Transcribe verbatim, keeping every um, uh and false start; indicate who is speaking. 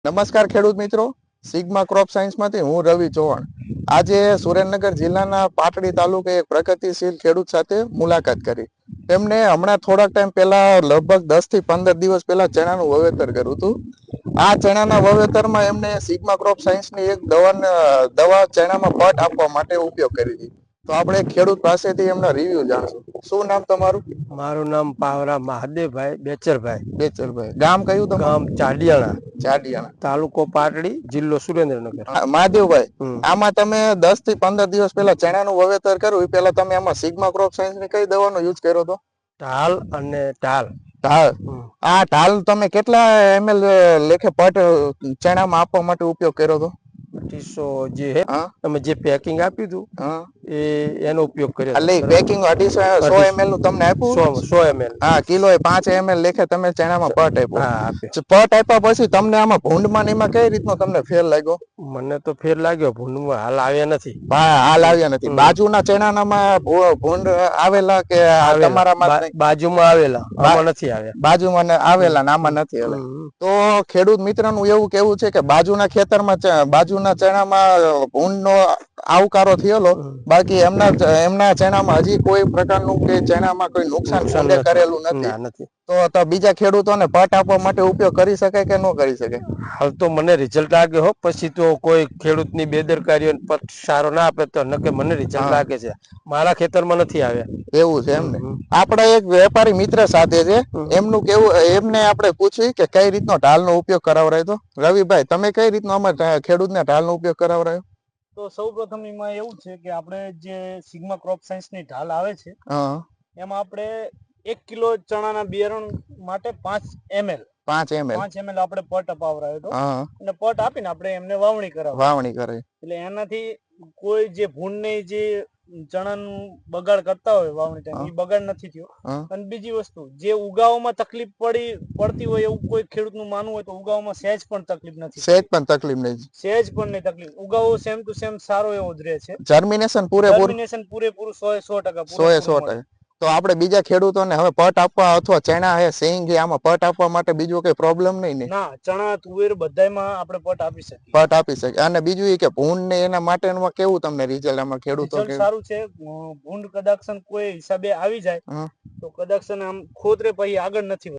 Speaker 1: નમસ્કાર ખેડૂત મિત્રો, સિગ્મા ક્રોપ સાયન્સમાંથી હું રવિ ચૌહાણ આજે સુરેન્દ્રનગર જિલ્લાના પાટડી તાલુકે એક પ્રગતિશીલ ખેડૂત સાથે મુલાકાત કરી. તેમને હમણાં થોડાક ટાઈમ પહેલા લગભગ દસ થી પંદર દિવસ પહેલા ચણાનું વાવેતર કર્યું હતું. આ ચણાના વાવેતરમાં એમને સિગ્મા ક્રોપ સાયન્સની એક દવા દવા ચણામાં પટ આપવા માટે ઉપયોગ કરી હતી. તો આપણે ખેડૂત પાસેથી એમના રિવ્યુ જાણશું. શું નામ તમારું?
Speaker 2: મારું નામ પાવરા મહાદેવભાઈ બેચરભાઈ.
Speaker 1: બેચરભાઈ. ગામ કયું તમારું?
Speaker 2: ગામ ચાડિયાણા,
Speaker 1: ચાડિયાણા,
Speaker 2: તાલુકો પાટડી, જિલ્લો સુરેન્દ્રનગર.
Speaker 1: મહાદેવભાઈ,
Speaker 2: હમ.
Speaker 1: આમાં તમે દસ થી પંદર દિવસ પહેલા ચણાનું વાવેતર કર્યું, એ પહેલા તમે આમાં સિગ્મા ક્રોપ સાયન્સની કઈ દવાનો યુઝ કર્યો હતો?
Speaker 2: ઢાલ અને ઢાલ.
Speaker 1: ઢાલ.
Speaker 2: હમ.
Speaker 1: આ ઢાલ તમે કેટલા એમએલ લેખે પટ ચણામાં આપવા માટે ઉપયોગ કર્યો હતો?
Speaker 2: અઢીસો જે હે
Speaker 1: હા,
Speaker 2: તમે જે પેકિંગ આપ્યું હતું
Speaker 1: હા,
Speaker 2: એ એનો ઉપયોગ કર્યો.
Speaker 1: એટલે પેકિંગ અઢીસો સો એમએલ નું તમને આપ્યું?
Speaker 2: સો સો એમએલ.
Speaker 1: હા, કિલો પાંચ એમએલ લેખે તમે ચણામાં પટ આપ્યો.
Speaker 2: હા, આપ્યો.
Speaker 1: પટ આપ્યા પછી તમને આમાં ભૂંડમાં ને એમાં કઈ રીતનો તમને ફેર લાગ્યો?
Speaker 2: મને તો ફેર લાગ્યો, ભૂંડમાં હાલ આવ્યા નથી.
Speaker 1: હા, હાલ આવ્યા નથી. બાજુના ચણાનામાં ભૂંડ આવેલા કે તમારામાં?
Speaker 2: બાજુમાં આવેલા, આમાં નથી આવ્યા.
Speaker 1: બાજુમાં આવેલા ને આમાં નથી આવ્યા. તો ખેડૂત મિત્રનું એવું કેવું છે કે બાજુના ખેતરમાં બાજુના ચણામાં ભૂંડનો આવકારો થયેલો, બાકી એમના એમના ચણામાં હજી કોઈ પ્રકારનું કે ચણામાં કોઈ નુકસાન ભૂંડે કરેલું નથી. તો તો બીજા ખેડૂતોને પટ આપવા માટે ઉપયોગ કરી શકાય કે ન કરી શકાય?
Speaker 2: હાલ તો મને રિઝલ્ટ લાગે હો, પછી તો કોઈ ખેડૂતની બેદરકારી પટ સારો ના આપે તો નકે મને રિઝલ્ટ લાગે છે. મારા ખેતરમાં નથી આવ્યા.
Speaker 1: એવું છે એમને? આપણે એક વેપારી મિત્ર સાથે છે, એમનું કેવું, એમને આપણે પૂછ્યું કે કઈ રીતનો ઢાલનો ઉપયોગ કરાવરાયો તો. રવિભાઈ, તમે કઈ રીતનો અમારે ખેડૂતને ઢાલનો ઉપયોગ કરાવરાયો?
Speaker 3: તો સૌ પ્રથમ એમાં એવું છે કે આપણે જે સિગ્મા ક્રોપ સાયન્સ ની ઢાલ આવે છે, એમાં આપણે એક કિલો ચણાના બિયારણ માટે પાંચ એમએલ
Speaker 1: પાંચ એમએલ
Speaker 3: પાંચ એમએલ આપણે પટ અપાવરાયો હતો. અને પટ આપીને આપણે એમને વાવણી કરાવી
Speaker 1: વાવણી કરે.
Speaker 3: એટલે એનાથી કોઈ જે ભૂંડ ને જે ચણાનું બગાડ કરતા હોય વાવણી ટાઈમ, એ બગાડ નથી થયો. અને બીજી વસ્તુ, જે ઉગાવવામાં તકલીફ પડી પડતી હોય એવું કોઈ ખેડૂત નું માનવું હોય તો ઉગાવવામાં સહેજ પણ તકલીફ નથી.
Speaker 1: સહેજ પણ તકલીફ નહીં.
Speaker 3: સહેજ પણ નહીં તકલીફ. ઉગાવો સેમ ટુ સેમ સારો એવો જ રહે છે.
Speaker 1: જર્મિનેશન પૂરેપૂરું.
Speaker 3: જર્મિનેશન પૂરેપૂરું સો એ સો ટકા.
Speaker 1: સો એ સો ટકા. તો આપણે બીજા ખેડૂતોને હવે પટ આપવા અથવા ચણા હે સિંગ હે આમાં પટ આપવા માટે બીજો કઈ પ્રોબ્લેમ નહીં ને?
Speaker 3: ના, ચણા તુવેર બધાયમાં આપણે પટ આપી શકીએ.
Speaker 1: પટ આપી શકીએ. અને બીજું એ કે ભૂંડ ને એના માટેનું કેવું તમને રિઝલ્ટ આમાં ખેડૂતો?
Speaker 3: રિઝલ્ટ સારું છે. ભૂંડ કદાક્ષન કોઈ હિસાબે આવી જાય તો કદાક્ષન આમ ખોતરે પછી આગળ નથી.